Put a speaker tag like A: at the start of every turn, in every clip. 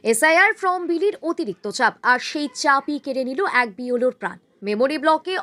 A: SIR form বিলির অতিরিক্ত চাপ, আর সেই চাপই কেড়ে নিল এক বিএলওর প্রাণ। মেমরি ব্লকে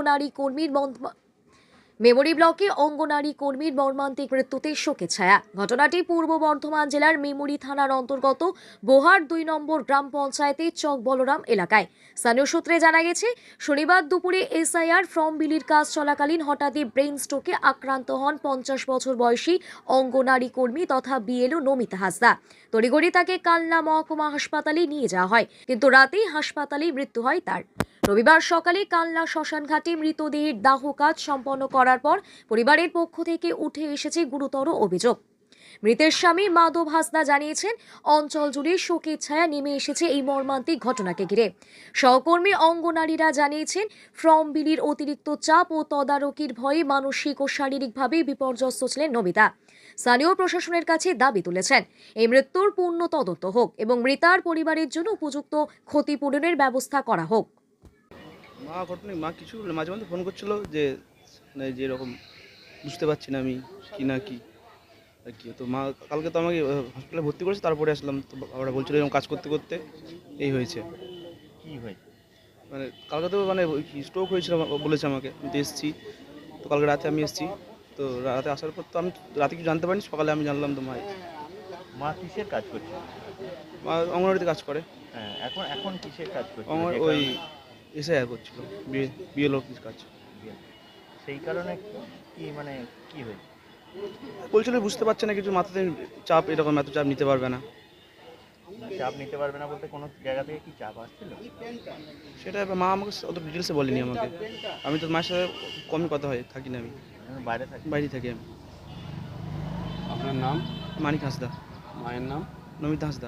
A: অঙ্গনারী কর্মীর মর্মান্তিক মৃত্যুতে শোকের ছায়া। ঘটনাটি পূর্ব বর্ধমান জেলার মেমরি থানার অন্তর্গত বোহার 2 নম্বর গ্রাম পঞ্চায়েতের চক বলরাম এলাকায়। স্থানীয় সূত্রে জানা গেছে, শনিবার দুপুরে এসআইআর ফর্ম বিলির কাজ চলাকালীন হঠাৎই ব্রেন স্ট্রোকে আক্রান্ত হন 50 বছর বয়সী অঙ্গনারী কর্মী তথা বিএলও নমিতা হাসদা। তড়িঘড়ি তাকে কালনা মহকুমা হাসপাতালে নিয়ে যাওয়া হয়, কিন্তু রাতেই হাসপাতালেই মৃত্যু হয় তার। রবিবার সকালে কালনা শ্মশানঘাটে মৃতদেহের দাহ কাজ সম্পন্ন করার পর পরিবারের পক্ষ থেকে উঠে এসেছে গুরুতর অভিযোগ। মৃতের স্বামী মাধব হাসদা জানিয়েছেন, অঞ্চল জুড়ে শোকের ছায়া নেমে এসেছে এই মর্মান্তিক ঘটনাকে ঘিরে। সহকর্মী অঙ্গনারীরা জানিয়েছেন, ফর্ম বিলির অতিরিক্ত চাপ ও তদারকির ভয়ে মানসিক ও শারীরিকভাবে বিপর্যস্ত ছিলেন নমিতা। স্থানীয় প্রশাসনের কাছে দাবি তুলেছেন, এই মৃত্যুর পূর্ণ তদন্ত হোক এবং মৃতার পরিবারের জন্য উপযুক্ত ক্ষতিপূরণের ব্যবস্থা করা হোক।
B: মা কিছু মাঝে মধ্যে ফোন করছিল যে এরকম বুঝতে পারছি না আমি কি না কি আর কি। তো মা কালকে তো আমাকে হসপিটালে ভর্তি করেছে, তারপরে আসলাম। তো ওরা বলছিল এরকম কাজ করতে করতে এই হয়েছে।
C: কি হয়েছে?
B: মানে কালকে তো স্ট্রোক হয়েছিল বলেছে আমাকে। আমি তো এসেছি, তো কালকে রাতে আমি এসেছি। তো রাতে আসার পর তো আমি রাতে কিছু জানতে পারিনি, সকালে আমি জানলাম। তো
C: মা কিসের কাজ করছে?
B: মা অঙ্গনওয়াড়িতে কাজ করে।
C: হ্যাঁ, এখন কিসের কাজ করছে?
B: ওই এসআইআর করছিল, বিএলও কাজ।
C: সেই কারণে কি মানে কি হয়েছে?
B: বলছিল বুঝতে পারছে না কিছু, মাথাতে চাপ, এরকম এত চাপ নিতে পারবে না।
C: চাপ নিতে পারবে না বলতে কোনো জায়গা থেকে কি চাপ আসছিল?
B: সেটা মা আমাকে অত ডিটেলসে বলেনি আমাকে। আমি তো মায়ের সাথে কমই কথা হয়, থাকি না। আমি বাইরে থাকি আমি।
D: আপনার নাম?
B: মানিক হাসদা।
D: মায়ের নাম?
B: নমিতা হাসদা।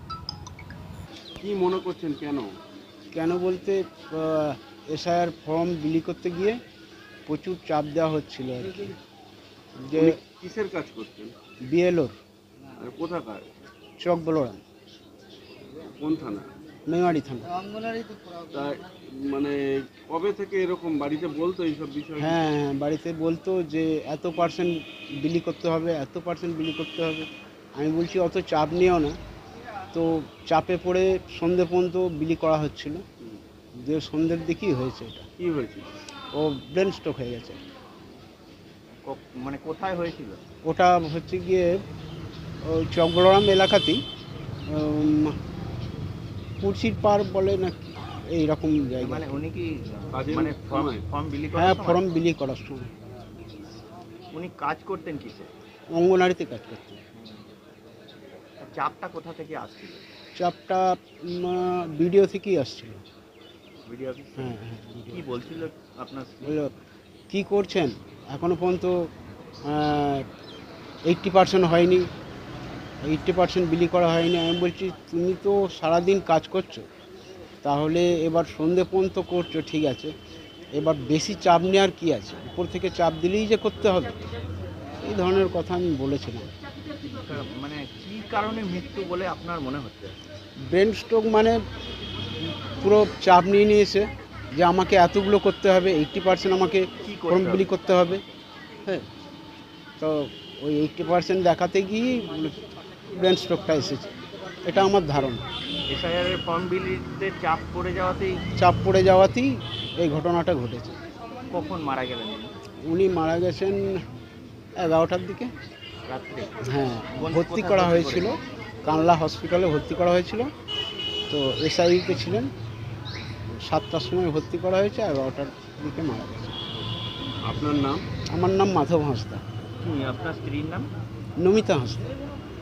D: কি মনে করছেন কেন?
E: কেন বলতে এসআইআর ফর্ম বিলি করতে গিয়ে প্রচুর চাপ দেওয়া হচ্ছিল আর কি। যে
D: উনি কিসের কাজ করছেন?
E: বিএলওর
D: আর কোথাকার?
E: চক বলরাম,
D: কোন থানা?
E: মেমারি থানা।
D: তাই মানে কবে থেকে এরকম বাড়িতে বলতো এইসব বিষয়?
E: হ্যাঁ, বাড়িতে বলতো যে এত পার্সেন্ট বিলি করতে হবে, এত পার্সেন্ট বিলি করতে হবে। আমি বলছি অত চাপ নিও না। তো চাপে পড়ে সন্ধ্যে পর্যন্ত বিলি করা হচ্ছিল। যে সন্ধ্যের দিকেই হয়েছে এটা।
D: কি হয়েছিল?
E: ও ব্রেন স্ট্রোক হয়ে গেছে।
C: মানে কোথায় হয়েছিল?
E: ওটা হচ্ছে গিয়ে ওই চক বলরাম এলাকাতেই, কুর্সির পার বলে না এইরকম জায়গা।
C: মানে উনি কি
D: কাজের
C: মানে
D: সময়?
C: ফর্ম বিলি
E: হ্যাঁ,
C: করার
E: ফর্ম
C: সময়
E: বিলি করার সময়
C: উনি কাজ করতেন কিসে?
E: অঙ্গনারীতে কাজ করতে।
C: চাপটা কোথা থেকে আসছিল?
E: চাপটা ভিডিও থেকেই আসছিল।
C: Video office?
E: হ্যাঁ হ্যাঁ,
C: কি বলছিল আপনার স্ত্রী?
E: বললো কী করছেন, এখনও পর্যন্ত 80% হয়নি, 80% বিলি করা হয়নি। আমি বলছি তুমি তো সারাদিন কাজ করছো, তাহলে এবার সন্ধে পর্যন্ত করছো ঠিক আছে, এবার বেশি চাপ নেওয়ার কী আছে, উপর থেকে চাপ দিলেই যে করতে হবে, এই ধরনের কথা আমি বলেছিলাম।
C: মানে কি কারণে মৃত্যু বলে আপনার মনে হচ্ছে?
E: ব্রেন স্ট্রোক মানে পুরো চাপ নিয়ে নিয়েছে যে আমাকে এতগুলো করতে হবে, 80% আমাকে
C: কি
E: ফর্ম
C: করতে
E: বিলি
C: হবে?
E: করতে হবে। হ্যাঁ, তো ওই 80% দেখাতে গিয়ে ব্রেন স্ট্রোকটা এসেছে, এটা আমার ধারণা।
C: এসআইআর এর ফর্ম বিলিতে চাপ পড়ে যাওয়াতেই
E: চাপ পড়ে যাওয়াতেই এই ঘটনাটা ঘটেছে।
C: কখন মারা গেলেন উনি?
E: উনি মারা গেছেন 11টার দিকে।
C: রাত্রে?
E: হ্যাঁ,
C: কোথায়
E: ভর্তি করা
C: ভর্তি
E: হয়েছিল, কানলা হসপিটালে ভর্তি করা হয়েছিল। তো এসআইতে ছিলেন, 7টার সময় ভর্তি করা হয়েছে, 11টার দিকে মারা গেছে।
D: আপনার নাম?
E: আমার নাম মাধব হাঁসদা।
C: কি আপনার স্ত্রীর নাম?
E: নমিতা হাঁসদা।